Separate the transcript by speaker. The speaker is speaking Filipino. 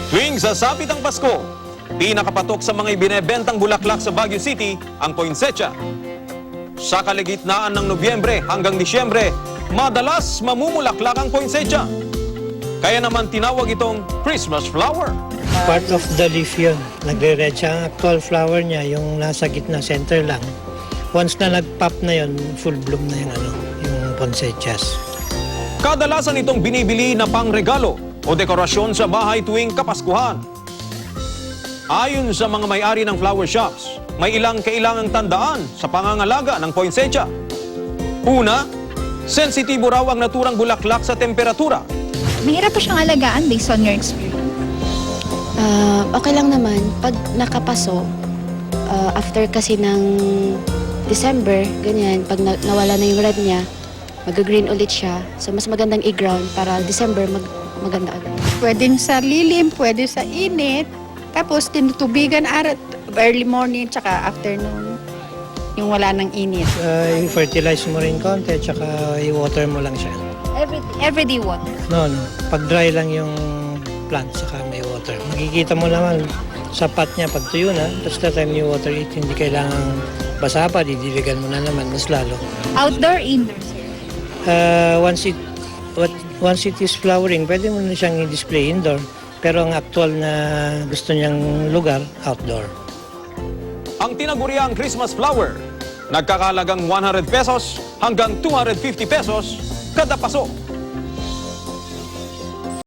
Speaker 1: Tuwing sasapit ang Pasko, pinakapatok sa mga ibinebentang bulaklak sa Baguio City ang poinsettia. Sa kalagitnaan ng Nobyembre hanggang Disyembre, madalas mamumulaklak ang poinsettia. Kaya naman tinawag itong Christmas flower.
Speaker 2: Part of the leaf yun. Nagre-red siya. Ang actual flower niya, yung nasa gitna, center lang. Once na nag-pop na yun, full bloom na yung poinsettias.
Speaker 1: Kadalasan itong binibili na pangregalo o dekorasyon sa bahay tuwing Kapaskuhan. Ayon sa mga may-ari ng flower shops, may ilang kailangang tandaan sa pangangalaga ng poinsettia. Una, sensitibo raw ang naturang bulaklak sa temperatura.
Speaker 3: Mahirap pa siyang alagaan based on your experience.
Speaker 4: Okay lang naman. Pag nakapaso, after kasi ng December, ganyan, pag nawala na yung red niya, mag-green ulit siya. So, mas magandang i-ground para December maganda agad.
Speaker 5: Pwede sa lilim, pwede sa init. Tapos tinutubigan early morning tsaka afternoon. Yung wala ng init.
Speaker 2: I-fertilize mo rin konti, tsaka i-water mo lang siya.
Speaker 3: Everyday water.
Speaker 2: No. Pag dry lang yung plant, saka may water. Makikita mo naman, sapat niya pag tuyo na, tapos the time you water it, hindi kailangan basa pa, didiligan mo na naman, mas lalo.
Speaker 3: Outdoor, indoor, sir.
Speaker 2: Once it is flowering, pwede mo na siyang i-display indoor. Pero ang actual na gusto niyang lugar, outdoor.
Speaker 1: Ang tinaguriang Christmas flower, nagkakalagang 100 pesos hanggang 250 pesos kada paso.